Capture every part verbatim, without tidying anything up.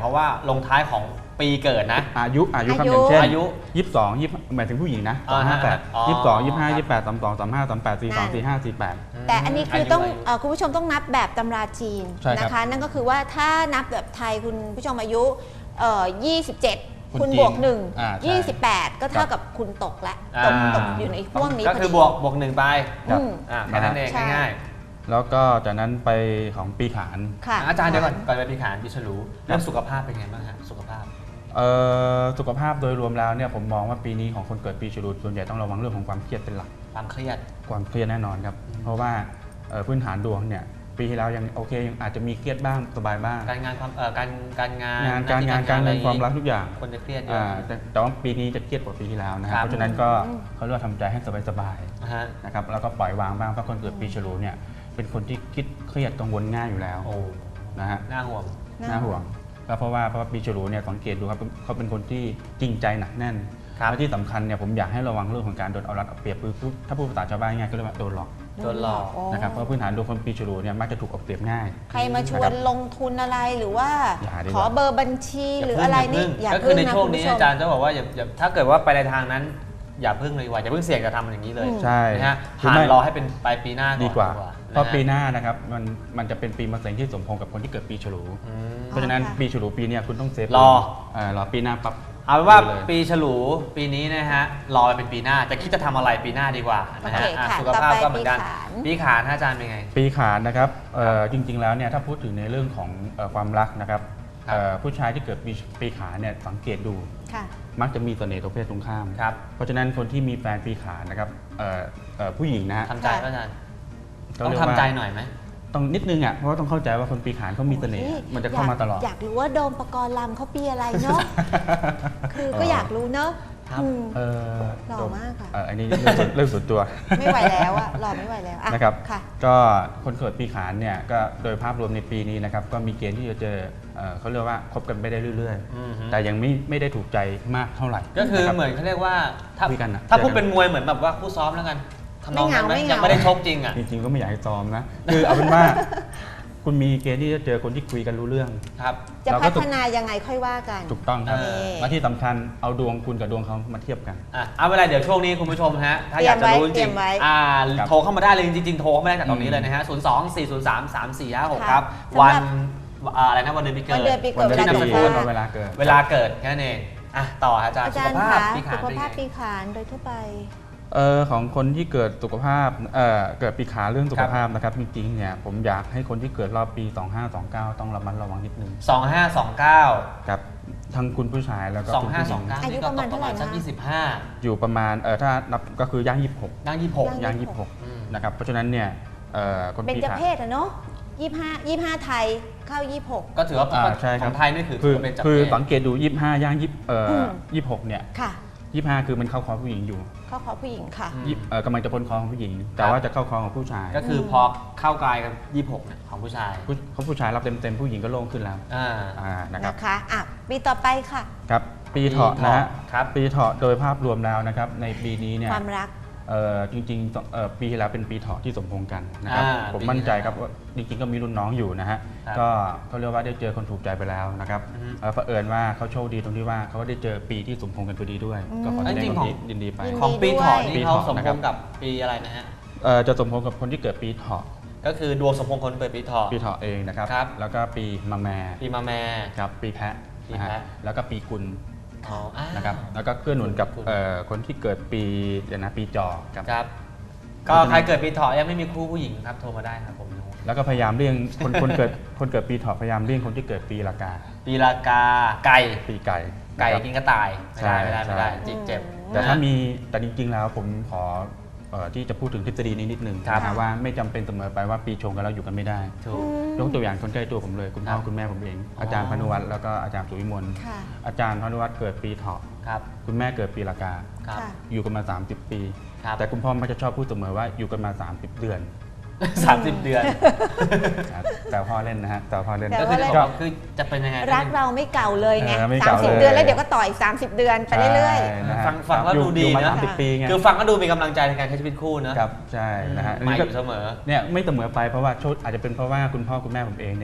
ราะว่าลงท้ายของปีเกิดนะอายุอายุครับอย่างเช่นอายุยี่สิบสองยี่หมายถึงผู้หญิงนะสองห้าแปดยี่สิบสองยี่ห้ายี่แปดสามสองสามห้าสามแปดสี่สองสี่ห้าสี่แปดแต่อันนี้คือต้องคุณผู้ชมต้องนับแบบตำราจีนนะคะนั่นก็คือว่าถ้านับแบบไทยคุณผู้ชมอายุยี่สิบเจ็ดคุณบวกหนึ่งยี่สิบแปดก็เท่ากับคุณตกและตกตกอยู่ในห่วงนี้ก็คือบวกบวกหนึ่งไปแค่นั้นเองง่ายๆแล้วก็จากนั้นไปของปีขานอาจารย์เดี๋ยวก่อนก่อนไปปีขานปีฉลูเรื่องสุขภาพเป็นไงบ้างฮะสุขภาพสุขภาพโดยรวมแล้วเนี่ยผมมองว่าปีนี้ของคนเกิดปีฉลูส่วนใหญ่ต้องระวังเรื่องของความเครียดเป็นหลักความเครียดความเครียดแน่นอนครับเพราะว่าพื้นฐานดวงเนี่ยปีที่แล้วยังโอเคยังอาจจะมีเครียดบ้างสบายบ้างการงานความการการงานงานการงานการเงินความรักทุกอย่างคนจะเครียดเยอะแต่ว่าปีนี้จะเครียดกว่าปีที่แล้วนะครับเพราะฉะนั้นก็เขาเรียกว่าทำใจให้สบายๆนะครับแล้วก็ปล่อยวางบ้างเพราะคนเกิดปีฉลูเนี่ยเป็นคนที่คิดเครียดกังวลง่ายอยู่แล้วนะฮะน่าห่วงน่าห่วงก็เพราะว่าเพราะว่าปีฉลูเนี่ยสังเกตดูครับเขาเป็นคนที่จริงใจหนักแน่นและที่สำคัญเนี่ยผมอยากให้ระวังเรื่องของการโดนเอารัดเอาเปรียบคือถ้าพูดภาษาชาวบ้านง่ายก็เรียกว่าโดนหลอกโดนหลอกนะครับเพราะพื้นฐานดวงคนปีฉลูเนี่ยมักจะถูกเอาเปรียบง่ายใครมาชวนลงทุนอะไรหรือว่าขอเบอร์บัญชีหรืออะไรนี่อย่าพึ่งนะก็คือในช่วงนี้อาจารย์จะบอกว่าอย่าถ้าเกิดว่าไปในทางนั้นอย่าพึ่งเลยว่าอย่าพึ่งเสี่ยงจะทำมันอย่างนี้เลยใช่นะฮะผ่านรอให้เป็นปลายปีหน้าดีกว่าเพราะปีหน้านะครับมันมันจะเป็นปีมะเส็งที่สมพงษ์กับคนที่เกิดปีฉลูเพราะฉะนั้นปีฉลูปีนี้คุณต้องเซฟรอรอปีหน้าปั๊บเอาเป็นว่าปีฉลูปีนี้นะฮะรอเป็นปีหน้าจะคิดจะทำอะไรปีหน้าดีกว่านะฮะสุขภาพก็เหมือนกันปีขานอาจารย์เป็นไงปีขานนะครับจริงๆแล้วเนี่ยถ้าพูดถึงในเรื่องของความรักนะครับผู้ชายที่เกิดปีขานเนี่ยสังเกตดูมักจะมีเสน่ห์ตัวเพศตรงข้ามเพราะฉะนั้นคนที่มีแฟนปีขานนะครับผู้หญิงนะทำใจอาจารย์ต้องทำใจหน่อยไหมต้องนิดนึงอ่ะเพราะว่าต้องเข้าใจว่าคนปีขานเขามีเสน่ห์มันจะเข้ามาตลอดอยากรู้ว่าโดมปกรณ์ลำเขาปีอะไรเนาะคือก็อยากรู้เนาะหล่อมากค่ะอันนี้เรื่องส่วนตัวไม่ไหวแล้วอะหล่อไม่ไหวแล้วนะครับก็คนเกิดปีขานเนี่ยก็โดยภาพรวมในปีนี้นะครับก็มีเกณฑ์ที่จะเจอเขาเรียกว่าคบกันไปได้เรื่อยๆแต่ยังไม่ไม่ได้ถูกใจมากเท่าไหร่ก็คือเหมือนเขาเรียกว่าถ้าถ้าพูดเป็นมวยเหมือนแบบว่าคู่ซ้อมแล้วกันไม่เหงาไม่เหงายังไม่ได้ชกจริงอ่ะจริงๆก็ไม่อยากให้ซ้อมนะคือเอาเป็นว่าคุณมีเกณฑ์ที่จะเจอคนที่คุยกันรู้เรื่องครับจะพัฒนายังไงค่อยว่ากันถูกต้องครับและที่สำคัญเอาดวงคุณกับดวงเขามาเทียบกันอ่ะเอาเวลาเดี๋ยวช่วงนี้คุณผู้ชมฮะถ้าอยากจะรู้จริงอ่าโทรเข้ามาได้เลยจริงๆโทรเข้ามาได้จากตรงนี้เลยนะฮะศูนย์ สอง สี่ ศูนย์ สาม สาม สี่ ห้า หกครับวันอะไรนะวันเดือนปีเกิดวันที่นามสกุลเวลาเกิดเวลาเกิดแค่นั้นเองอ่ะต่ออาจารย์สุขภาพปีขานสุขภาพปีขานโดยทั่วไปเออของคนที่เกิดสุขภาพเออเกิดปีขานเรื่องสุขภาพนะครับจริงๆเนี่ยผมอยากให้คนที่เกิดรอบปีสองห้าสองเก้าต้องระมัดระวังนิดนึงสองห้าสองเก้าครับทั้งคุณผู้ชายแล้วก็คุณผู้หญิงอายุประมาณเท่าไหร่นะยี่สิบห้าอยู่ประมาณเออถ้านับก็คือย่างยี่สิบหกย่างยี่สิบหกย่างยี่สิบหกนะครับเพราะฉะนั้นเนี่ยเออคนปีขานเป็นเพศอะเนาะยี่สิบห้า ยี่สิบห้าไทยเข้ายี่สิบหกก็ถือว่าของไทยนี่คือเป็นจับเพศคือสังเกตดูยี่สิบห้าย่างยี่สิบเอ่อยี่สิบหกเนี่ยยี่สิบห้าคือมันเข้าคอผู้หญิงอยู่เข้าคอผู้หญิงค่ะกำลังจะพ้นคอของผู้หญิงแต่ว่าจะเข้าคอของผู้ชายก็คือพอเข้ากายกับยี่สิบหกของผู้ชายเขาผู้ชายรับเต็มๆผู้หญิงก็โล่งขึ้นแล้วนะครับนะคะอ่ะปีต่อไปค่ะครับปีเถาะนะฮะปีเถาะโดยภาพรวมแล้วนะครับในปีนี้เนี่ยความรักจริงๆปีที่แล้วเป็นปีเถาะที่สมพงษ์กันนะครับผมมั่นใจครับว่าจริงๆก็มีรุ่นน้องอยู่นะฮะก็เขาเรียกว่าได้เจอคนถูกใจไปแล้วนะครับเผอิญว่าเขาโชคดีตรงที่ว่าเขาได้เจอปีที่สมพงษ์กันพอดีด้วยก็ขอแสดงความยินดีไปของปีเถาะนี่เขาสมพงษ์กับปีอะไรนะฮะจะสมพงษ์กับคนที่เกิดปีเถาะก็คือดวงสมพงษ์คนเกิดปีเถาะปีเถาะเองนะครับแล้วก็ปีมะแม่ปีมะแม่ครับปีแพะนะฮะแล้วก็ปีกุลนะครับแล้วก็เกื้อหนุนกับคนที่เกิดปีเดี๋ยวนะปีจอครับก็ใครเกิดปีเถาะยังไม่มีคู่ผู้หญิงครับโทรมาได้ครับผมแล้วก็พยายามเลี่ยงคนคนเกิดคนเกิดปีเถาะพยายามเลี่ยงคนที่เกิดปีละกาปีละกาไก่ปีไก่ไก่กินกระต่ายไม่ได้ไม่ได้ไม่ได้จิตเจ็บแต่ถ้ามีแต่จริงๆแล้วผมขอที่จะพูดถึงทฤษฎีนี้นิดนึงนะว่าไม่จำเป็นเสมอไปว่าปีชงกันแล้วอยู่กันไม่ได้ยกตัวอย่างคนใกล้ตัวผมเลยคุณพ่อคุณแม่ผมเองอาจารย์พานุวัฒน์แล้วก็อาจารย์สุวิมลอาจารย์พานุวัฒน์เกิดปีเถาะคุณแม่เกิดปีละกาอยู่กันมาสามสิบปีแต่คุณพ่อมักจะชอบพูดเสมอว่าอยู่กันมาสามสิบเดือนสามสิบเดือนแต่พ่อเล่นนะฮะแต่พ่อเล่นก็คือจะบอกคือจะเป็นยังไงรักเราไม่เก่าเลยไงสามสิบเดือนแล้วเดี๋ยวก็ต่อยสามสิบเดือนไปเรื่อยๆฟังฟังแล้วดูดีนะคือฟังก็ดูมีกำลังใจในการใช้ชีวิตคู่นะครับใช่นะฮะไม่อยู่เสมอเนี่ยไม่เสมอไปเพราะว่าอาจจะเป็นเพราะว่าคุณพ่อคุณแม่ผมเองเนี่ยเข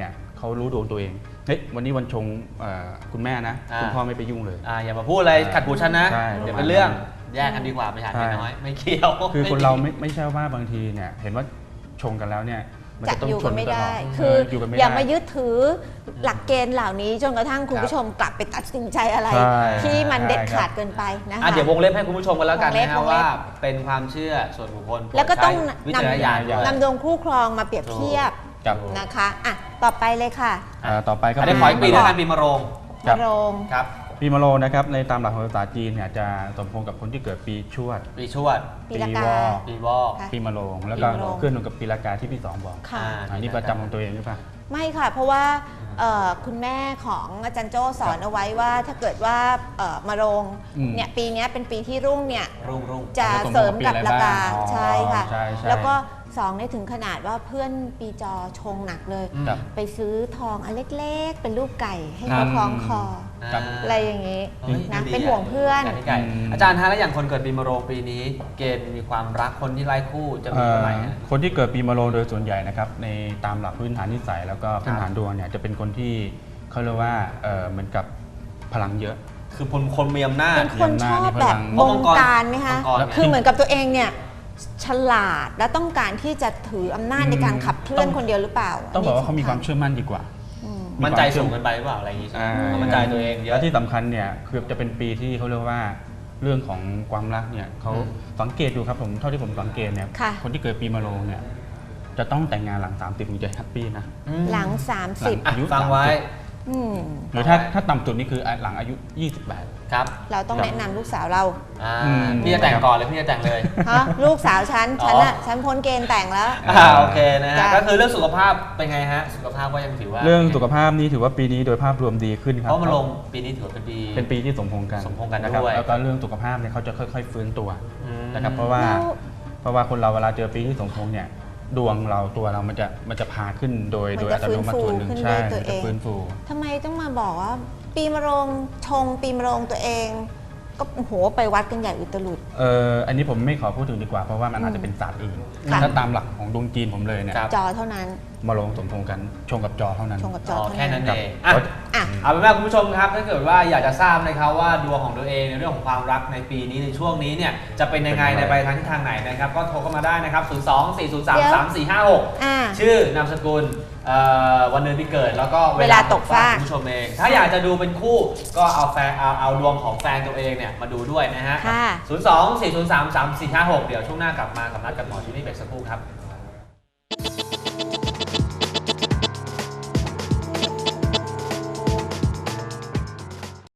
เขารู้ดวงตัวเองเฮ้ยวันนี้วันชงเอ่อคุณแม่นะอ่าคุณพ่อไม่ไปยุ่งเลยอ่าอย่ามาพูดอะไรขัดหูฉันนะใช่เดี๋ยวเป็นเรื่องแยกกันดีกว่าไม่หาใช่ไม่น้อยไม่เกี่ยวคือคนเราไม่ไม่ใช่ว่าบางทีเนี่ยเห็นว่าชงกันแล้วเนี่ยมันจะจะต้องอยู่ชกัน นไม่ตลได้อดคือเยู่กันไม่อย่าได้มายึดถือหลักเกณฑ์เหล่านี้จนกระทั่งคุณครับผู้ชมกลับไปตัดสินใจอะไรใช่ที่มันเด็ดใช่ครับขาดเกินไปนะอ่ะคะเดี๋ยววงเล็บให้คุณผู้ชมกันแล้วกันวงเล็บนะฮะวงเล็บว่าเป็นความเชื่อส่วนบุคคลแล้วก็ต้องใช้วินจารณญาณด้วยำนำดวงคู่ครองมาเปรียบเทียบครับนะคะอ่ะต่อไปเลยค่ะอ่าต่อไปก็อันนี้ขออีกปีคแล้รัวบกันปีมะโรงครัมะบโรงครับปีมะโรงนะครับในตามหลักของภาษาจีนเนี่ยจะสมพงษ์กับคนที่เกิดปีชวดปีชวดปีละกาปีวอกปีวอกค่ะปีมะโรงแล้วก็ปีมะโรงเคลื่อนตรงกับปีละกาที่พี่สองบอกค่ะอ่าอันนี้ประจำของตัวเองหรือเปล่าไม่ค่ะ เพราะว่าเอ่อคุณแม่ของอาจารย์โจ้สอนเอาไว้ว่าถ้าเกิดว่าเอ่อมะโรงอืมเนี่ยปีเนี้ยเป็นปีที่รุ่งเนี่ยรุ่งรุ่งจะจะเสริมกับตรงกับปีราอะไรคาบ้างใช่ค่ะใช่ใช่แล้วก็สองเนี่ยถึงขนาดว่าเพื่อนปีจอชงหนักเลยอืมครับไปซื้อทองอันเล็กๆ เป็นรูปไก่ให้ครัเขาบคล้องคอครับอะไรอย่างนี้เฮ้ยนะดีเป็นห่วงเพื่อนย่างที่ไก่อืมอาจารย์ฮะแล้วอย่างคนเกิดปีมะโรงปีนี้ เกณฑ์มีความรักคนที่ไร้คู่จะมีเอ่อเท่าไหร่ฮะคนที่เกิดปีมะโรงโดยส่วนใหญ่นะครับในตามหลักพื้นฐานนิสัยแล้วก็พื้นฐานครับดวงเนี่ยจะเป็นคนที่เขาเรียกว่าเอ่อเหมือนกับพลังเยอะคือคนคนมีอำนาจเป็นคนชอบแบบเพบราะงมังกรการไหมคะมังกรไงคือเหมือนกับตัวเองเนี่ยฉลาดและต้องการที่จะถืออำนาจในการขับเคลื่อนคนเดียวหรือเปล่าต้องบอกว่าเขามีนความนี้สำเชื่อมั่นดีกว่าอืมมั่นใจสูงเกินไปหรือเปล่าอะไรอย่างงี้ใช่ไหมอ่าเขามั่นใจตัวเองเยแล้อะวที่สำคัญเนี่ยคือจะเป็นปีที่เขาเรียกว่าเรื่องของความรักเนี่ยเขาอืมสังเกตดูครับผมเท่าที่ผมสังเกตเนี่ยค่ะคนที่เกิดปีมะโรงเนี่ยจะต้องแต่งงานหลังสามสิบถึงจะแฮปปี้นะอืมหลังหลัง 30 อ่ะอายุฟังไว้สามสิบอืมหรือถ้าถ้าต่ำสุดนี่คือหลังอายุ ยี่สิบแปดครับเราต้องแนะนำลูกสาวเราอ่าอืมพี่จะแต่งก่อนเลยพี่จะแต่งเลยฮะลูกสาวฉันอ๋อฉันอะฉันพ้นเกณฑ์แต่งแล้วอ่าโอเคนะฮะจ้ะก็คือเรื่องสุขภาพเป็นไงฮะ สุขภาพก็ยังถือว่าเรื่องสุขภาพนี่ถือว่าปีนี้โดยภาพรวมดีขึ้นคเพรับราะมันลงปีนี้ถือว่าเป็นปีเป็นปีที่สมพงษ์กันสมพงษ์กันนะครับด้วยแล้วก็เรื่องสุขภาพเนี่ยเขาจะค่อย ๆ ฟื้นตัวอืมนะครับเพราะว่าแล้วเพราะว่าคนเราเวลาเจอปีที่สมพงษ์เนี่ยดวงเราตัวเรามันจะมันจะพาขึ้นโดยมันโดยจะอัตโนมัติส่วนหนึ่งฟื้นฟูใช่ขึ้นด้วยตัวมันจะเองฟื้นฟูทำไมต้องมาบอกว่า ปีมะโรงชงปีมะโรงตัวเอง ก็โอ้โหไปวัดกันใหญ่อุตลุดเอ่ออันนี้ผมไม่ขอพูดถึงดีกว่าเพราะว่ามันอาจจะเป็นศาสตร์อื่นค่ะถ้าตามหลักของดวงจีนผมเลยเนี่ยครับจอเท่านั้นมาลงสมพงษ์กันชงกับจอเท่านั้นชงกับจออ๋อเท่าแค่นั้นนั้นเองอ่ะอ่ะเอาเป็นว่าคุณผู้ชมครับถ้าเกิดว่าอยากจะทราบนะครับว่าดวงของตัวเองในเรื่องของความรักในปีนี้ในช่วงนี้เนี่ยจะเป็นยังไงในไปทางทิศทางไหนนะครับก็โทรเข้ามาได้นะครับ ศูนย์ สอง สี่ ศูนย์ สาม สาม สี่ ห้า หกอ่าชื่อนามสกุลเอ่อวันเดือนปีเกิดแล้วก็เวลาตกฟากคุณผู้ชมเอง ถ้าอยากจะดูเป็นคู่ก็เอาแฟนเอาเอาดวงของแฟนตัวเองเนี่ยมาดูด้วยนะฮะค่ะศูนย์ สอง สี่ ศูนย์ สาม สาม สี่ ห้า หก เดี๋ยวช่วงหน้ากลับมากับนัดกับหมอที่นี่เบรกสักครู่ครับ